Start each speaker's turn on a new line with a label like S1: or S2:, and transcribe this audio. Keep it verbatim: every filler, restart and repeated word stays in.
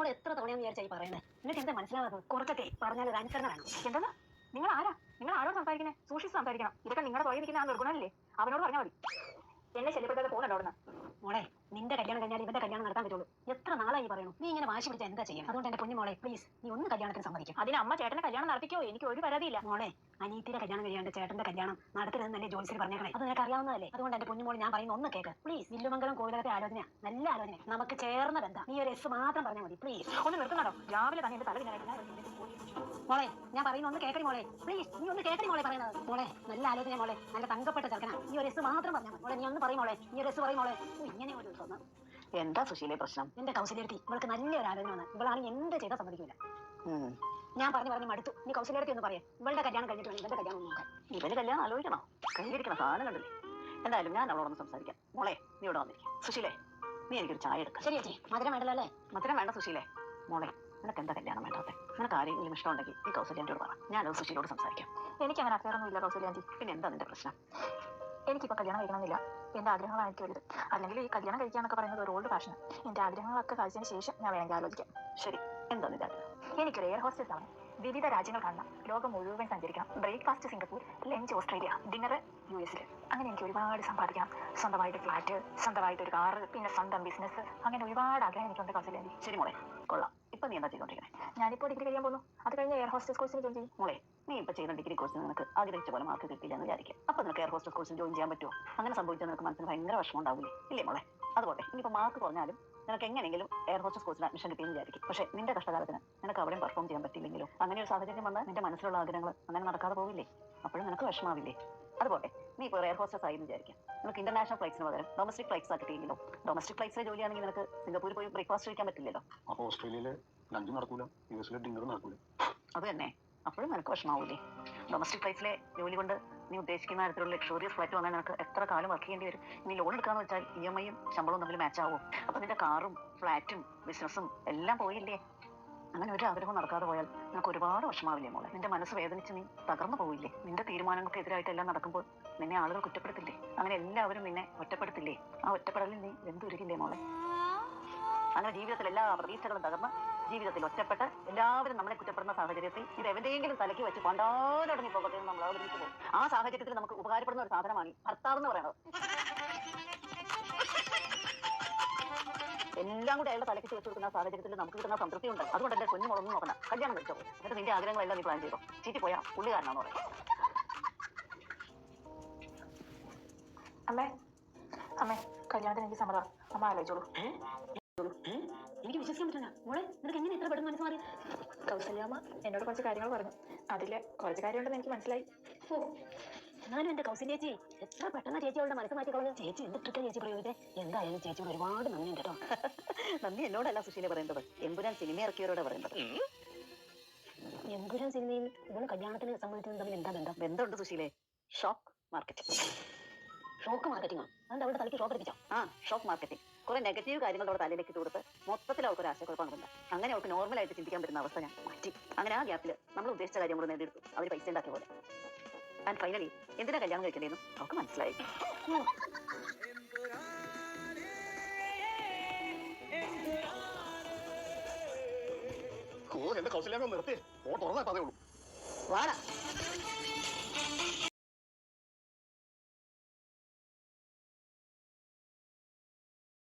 S1: നിന്നോട് എത്ര തവണയെന്ന് വിചാരിച്ചായി പറയുന്നത്? നിങ്ങൾക്ക് എന്താ മനസ്സിലാവാത്തത്? കുറച്ചൊക്കെ പറഞ്ഞാൽ ഒരു അനുസരണ വേണം.
S2: എന്താ നിങ്ങൾ ആരാ? നിങ്ങൾ ആരോട് സംസാരിക്കുന്നത്? സൂക്ഷിച്ച് സംസാരിക്കണം. ഇതൊക്കെ നിങ്ങളുടെ തോന്നിയിരിക്കുന്ന ആ നിർഗുണല്ലേ, അവനോട് പറഞ്ഞാൽ മതി. എന്നെ ശല്യപ്പെടുത്താതെ പോകുന്നുണ്ടോ അവിടുന്ന്?
S1: മോളെ, നിന്റെ കല്യാണം കഴിഞ്ഞാൽ ഇവന്റെ കല്യാണം നടത്താൻ പറ്റുള്ളൂ. എത്ര നാളായി പറയണു? നീ ഇങ്ങനെ വാശി പിടിച്ചാൽ എന്താ ചെയ്യും? അതുകൊണ്ട് എന്റെ കുഞ്ഞു മോളെ, പ്ലീസ് നീ ഒന്ന് കല്യാണത്തിന് സമ്മതിക്കും.
S2: അതിന് അമ്മ ചേട്ടന്റെ കല്യാണം നടത്തിക്കോ, എനിക്ക് ഒരു പരാതിയില്ല.
S1: മോളെ, അനീതിയുടെ കല്യാണം കഴിയാണ്ട് ചേട്ടന്റെ കല്യാണം നടത്തരുതെന്നല്ലേ ജോലിസിൽ പറഞ്ഞേക്കണേ? അത് നിനക്ക് അറിയാവുന്നതല്ലേ? അതുകൊണ്ട് എന്റെ കുഞ്ഞുമോൾ ഞാൻ പറയുന്ന ഒന്ന് കേക്ക് പ്ലീസ്. വില്ലുമംഗലം കോവിലകത്തെ ആലോചന നല്ല ആലോചന, നമുക്ക് ചേർന്ന ബന്ധം. നീ ഒരു എസ് മാത്രം പറഞ്ഞാൽ മതി പ്ലീസ്.
S2: ഒന്ന് നിർത്തുന്നോ? രാവിലെ തന്നെ എന്റെ തല
S1: മോളെ, ഞാൻ പറയുന്ന ഒന്ന് കേക്കടി മോളെ, പ്ലീസ്. നീ ഒന്ന് കേക്കടി മോളെ പറയുന്നത്. മോളെ, നല്ല ആലോചന മോളെ, നല്ല തങ്കപ്പെട്ട ചെറുക്കനാ. നീ ഒരു എസ് മാത്രം പറഞ്ഞാൽ മോളെ. നീ ഒന്ന് പറയും മോളെ, നീ ഒരു എസ് പറയും മോളെ. ഇങ്ങനെ ഒരു ദിവസം
S2: എന്താ സുശീലേ പ്രശ്നം?
S1: എന്റെ കൗശല്യത്തി ഇവൾക്ക് നല്ലൊരു ആലോചന വന്ന് ഇവളാണ് എന്ത് ചെയ്താൽ സമ്മതിക്കില്ല. ഞാൻ പറഞ്ഞു പറഞ്ഞു മടുത്തു. നീ കൗശല്യത്തി ഒന്ന് പറയാം. ഇവളുടെ കല്യാണം കഴിഞ്ഞിട്ട് വേണം ഇവന്റെ കല്യാണം നോക്കാൻ.
S2: ഇവന് കല്യാണം ആലോചിക്കണോ? കൈകരിക്കണ സാധനം കണ്ടില്ലേ? എന്തായാലും ഞാൻ അവളോടൊന്ന് സംസാരിക്കാം. മോളെ, നീ ഇവിടെ വന്നിരിക്കും. സുശീലേ, നീ എനിക്കൊരു ചായ എടുക്കാം.
S1: ശരി ചേച്ചി. മധുരം വേണ്ടല്ലോ അല്ലേ?
S2: മധുരം വേണ്ട സുശീലേ. മോളെ, നിനക്ക് എന്താ കല്യാണം വേണ്ടാത്തെ? നിനക്ക് ആരെങ്കിലും ഇഷ്ടമുണ്ടെങ്കിൽ ഈ കൗസല്യാൻ്റെയോട് പറ. ഞാനത് സുശീലോട് സംസാരിക്കാം. എനിക്ക് അങ്ങനെ അഫയറൊന്നും ഇല്ല കൗസല്യാൻ്റി. പിന്നെ എന്താ നിന്റെ പ്രശ്നം? എനിക്കിപ്പോൾ കല്യാണം കഴിക്കണമെന്നില്ല. എന്റെ ആഗ്രഹങ്ങളാണ് എനിക്ക് വലുത്. അല്ലെങ്കിൽ ഈ കല്യാണം കഴിക്കാന്നൊക്കെ പറയുന്നത് ഒരു ഓൾഡ് ഫാഷൻ. എന്റെ ആഗ്രഹങ്ങളൊക്കെ കഴിച്ചതിന് ശേഷം ഞാൻ വേണമെങ്കിൽ ആലോചിക്കാം. ശരി, എന്താ നിന്റെ ആഗ്രഹം? എനിക്കൊരു എയർ ഹോസ്റ്റസ് ആണ്. വിവിധ രാജ്യങ്ങൾ കാണണം, ലോകം മുഴുവൻ സഞ്ചരിക്കണം. Breakfast Singapore, lunch Australia, dinner U എസിൽ. അങ്ങനെ എനിക്ക് ഒരുപാട് സമ്പാദിക്കണം. സ്വന്തമായിട്ട് ഫ്ലാറ്റ്, സ്വന്തമായിട്ട് ഒരു കാറ്, പിന്നെ സ്വന്തം ബിസിനസ്, അങ്ങനെ ഒരുപാട് ആഗ്രഹം എനിക്കുണ്ട് കൗസല്യാൻ്റി. ശരി മോളെ, കൊള്ളാം. ഇപ്പൊ നീ എന്താ ചെയ്തോണ്ടിരിക്കണേ? ഞാനിപ്പോൾ ഡിഗ്രി കഴിയാൻ പോകുന്നു. അത് കഴിഞ്ഞ് എയർ ഹോസ്റ്റസ് കോഴ്സിന് ജോയിൻ ചെയ്യും. മോളെ, നീ ഇപ്പൊ ചെയ്യുന്ന ഡിഗ്രി കോഴ്സിന് നിനക്ക് ആഗ്രഹിച്ച പോലെ മാർക്ക് കിട്ടില്ല എന്ന് വിചാരിക്കും. അപ്പൊ നിനക്ക് എയർ ഹോസ്റ്റസ് കോഴ്സിന് ജോയിൻ ചെയ്യാൻ പറ്റുമോ? അങ്ങനെ സംഭവിച്ചാൽ നിനക്ക് മനസ്സിന് ഭയങ്കര വിഷമം ഉണ്ടാവില്ലേ? ഇല്ലേ മോളെ? അതുപോലെ ഇനിയിപ്പോ മാർക്ക് കുറഞ്ഞാലും നിനക്ക് എങ്ങനെയെങ്കിലും എയർ ഹോസ്റ്റസ് കോഴ്സിന് അഡ്മിഷൻ കിട്ടിയെന്ന് വിചാരിക്കും. പക്ഷേ നിന്റെ കഷ്ടകാലത്തിന് നിനക്ക് അവിടെയും പെർഫോം ചെയ്യാൻ പറ്റില്ലെങ്കിലും അങ്ങനെ ഒരു സാഹചര്യം വന്നാൽ നിന്റെ മനസ്സിലുള്ള ആഗ്രഹങ്ങൾ അങ്ങനെ നടക്കാതെ പോവില്ലേ? അപ്പോഴും നിനക്ക് വിഷമാവില്ലേ? അതുപോലെ നീ ഇപ്പോൾ എയർ ഹോസ്റ്റസ് ആയി വിചാരിക്കും. നിനക്ക് ഇന്റർനാഷണൽ ഫ്ലൈറ്റ്സിന് പകരം ഡൊമസ്റ്റിക് ഫ്ലൈറ്റ്സ് കിട്ടിയെങ്കിലും ഡൊമസ്റ്റിക് ഫ്ലൈറ്റ്സിലെ ജോലിയാണെങ്കിൽ നിനക്ക് സിംഗപ്പൂരിൽ പോയി ബ്രേക്ക്ഫാസ്റ്റ് കഴിക്കാൻ പറ്റില്ലല്ലോ.
S3: അപ്പോൾ ഓസ്ട്രേലിയയിലെ ലഞ്ച് നടക്കൂല, യു എസിലെ ഡിന്നർ നടക്കൂല.
S2: അത് തന്നെ, അപ്പോഴും നിനക്ക് വിഷമാവൂലേ? ഡൊമസ്റ്റിക് ഫ്ലൈറ്റ്സിലെ ജോലി കൊണ്ട് നീ ഉദ്ദേശിക്കുന്ന തരത്തിലുള്ള ലക്ഷറിയസ് ഫ്ലൈറ്റ് വന്നാൽ നിനക്ക് എത്ര കാലം വർക്ക് ചെയ്യേണ്ടി വരും? നീ ലോൺ എടുക്കാന്ന് വെച്ചാൽ ഇ എം ഐയും ശമ്പളവും തമ്മിൽ മാച്ച് ആവും. അപ്പൊ നിന്റെ കാറും ഫ്ലാറ്റും ബിസിനസ്സും എല്ലാം പോയില്ലേ? അങ്ങനെ ഒരു ആഗ്രഹം നടക്കാതെ പോയാൽ നിനക്ക് ഒരുപാട് വിഷമാവില്ലേ മോളെ? നിന്റെ മനസ്സ് വേദനിച്ച് നീ തകർന്നു പോയില്ലേ? നിന്റെ തീരുമാനങ്ങൾക്ക് എതിരായിട്ട് എല്ലാം നടക്കുമ്പോൾ നിന്നെ ആളുകൾ കുറ്റപ്പെടുത്തില്ലേ? അങ്ങനെ എല്ലാവരും നിന്നെ ഒറ്റപ്പെടുത്തില്ലേ? ആ ഒറ്റപ്പെടലിൽ നീ വെന്തുരുകില്ലേ മോളെ? അങ്ങനെ ജീവിതത്തിൽ എല്ലാ പ്രതീക്ഷകളും തകർന്ന് ജീവിതത്തിൽ ഒറ്റപ്പെട്ട് എല്ലാവരും നമ്മളെ കുറ്റപ്പെടുന്ന സാഹചര്യത്തിൽ ഇത് എവിടെയെങ്കിലും തലയ്ക്ക് വെച്ച് പണ്ടാലടങ്ങി പോകട്ടെ എന്ന് നമ്മൾ ആഗ്രഹിച്ചു പോകും. ആ സാഹചര്യത്തിൽ നമുക്ക് ഉപകാരപ്പെടുന്ന ഒരു സാധനമാണ് ഈ ഭർത്താവ് എന്ന് പറയുന്നത്. എല്ലാം കൂടെ അയാളുടെ തലയ്ക്ക് വെച്ച് കൊടുക്കുന്ന സാഹചര്യത്തിൽ നമുക്ക് കിട്ടുന്ന സംതൃപ്തി ഉണ്ട്. അതുകൊണ്ട് എന്റെ കുഞ്ഞു മോളൊന്നും നോക്കണ്ട, കല്യാണം കഴിച്ചോ. എന്നിട്ട് നിന്റെ ആഗ്രഹങ്ങളെല്ലാം നീ പ്ലാൻ ചെയ്തോ. ചീറ്റി പോയാ പുള്ളിക്കാരനാന്ന് പറയാം. അമ്മേ അമ്മേ കല്യാണത്തിന് എനിക്ക് സമ്മതം. അമ്മ ആലോചിച്ചോളൂ.
S1: എനിക്ക് വിശ്വസിക്കാൻ പറ്റില്ല മോളെ. നിനക്ക് എങ്ങനെ ഇത്ര പെട്ടെന്ന് മനസ്സ് മാറി?
S2: കൗസല്യാമ്മ എന്നോട് കുറച്ച് കാര്യങ്ങൾ പറഞ്ഞു. അതില് കുറച്ച് കാര്യമുണ്ടെന്ന് എനിക്ക് മനസ്സിലായി.
S1: ഓ, ഞാനും എന്റെ കൗസല്യ ചേച്ചി എത്ര പെട്ടെന്ന് ചേച്ചിയോടെ മനസ്സ് മാറ്റി കളഞ്ഞു. ചേച്ചി എന്ത് ട്രിക്കാ ചേച്ചി പ്രയോഗിച്ചേ? എന്തായാലും ചേച്ചിയോട് ഒരുപാട് നന്ദി കേട്ടോ.
S2: നന്ദി എന്നോടല്ല സുശീല പറയേണ്ടത്, എമ്പുരാൻ സിനിമ ഇറക്കിയവരോട് പറയേണ്ടത്.
S1: എമ്പുരാൻ സിനിമയിൽ ഇവള് കല്യാണത്തിന് സംബന്ധിച്ചത് തമ്മിൽ എന്താ ബന്ധം?
S2: ബന്ധമുണ്ട് സുശീലേ. Shock marketing.
S1: ഷോക്ക് മാർക്കറ്റിംഗോ? അതുകൊണ്ട് അവളുടെ തലയ്ക്ക് ഷോക്ക് അടിപ്പിച്ചോ?
S2: ആ, ഷോക്ക് മാർക്കറ്റിംഗ്. കുറെ നെഗറ്റീവ് കാര്യങ്ങളോട് തലയിലേക്ക് ഇട്ട് കൊടുത്ത് മൊത്തത്തിൽ അവർക്ക് ഒരു ആശയക്കുഴപ്പമുണ്ട്. അങ്ങനെ അവർക്ക് നോർമലായിട്ട് ചിന്തിക്കാൻ പറ്റുന്ന അവസ്ഥ ഞാൻ മാറ്റി. അങ്ങനെ ആ ഗ്യാപ്പിൽ നമ്മൾ ഉദ്ദേശിച്ച കാര്യം കൂടെ നേടിയെടുത്തു. അവർ പൈസ ഉണ്ടാക്കിയ പോലെ. ആൻഡ് ഫൈനലി എന്തിനാ കല്യാണം കഴിക്കേണ്ടതെന്നും അവർക്ക് മനസ്സിലായി.
S3: ഓ, എന്റെ കൗസല്യാമ്മ നിർത്തി. ഓ, തുറന്നാ അതേ ഉള്ളൂ.
S2: വാടാ.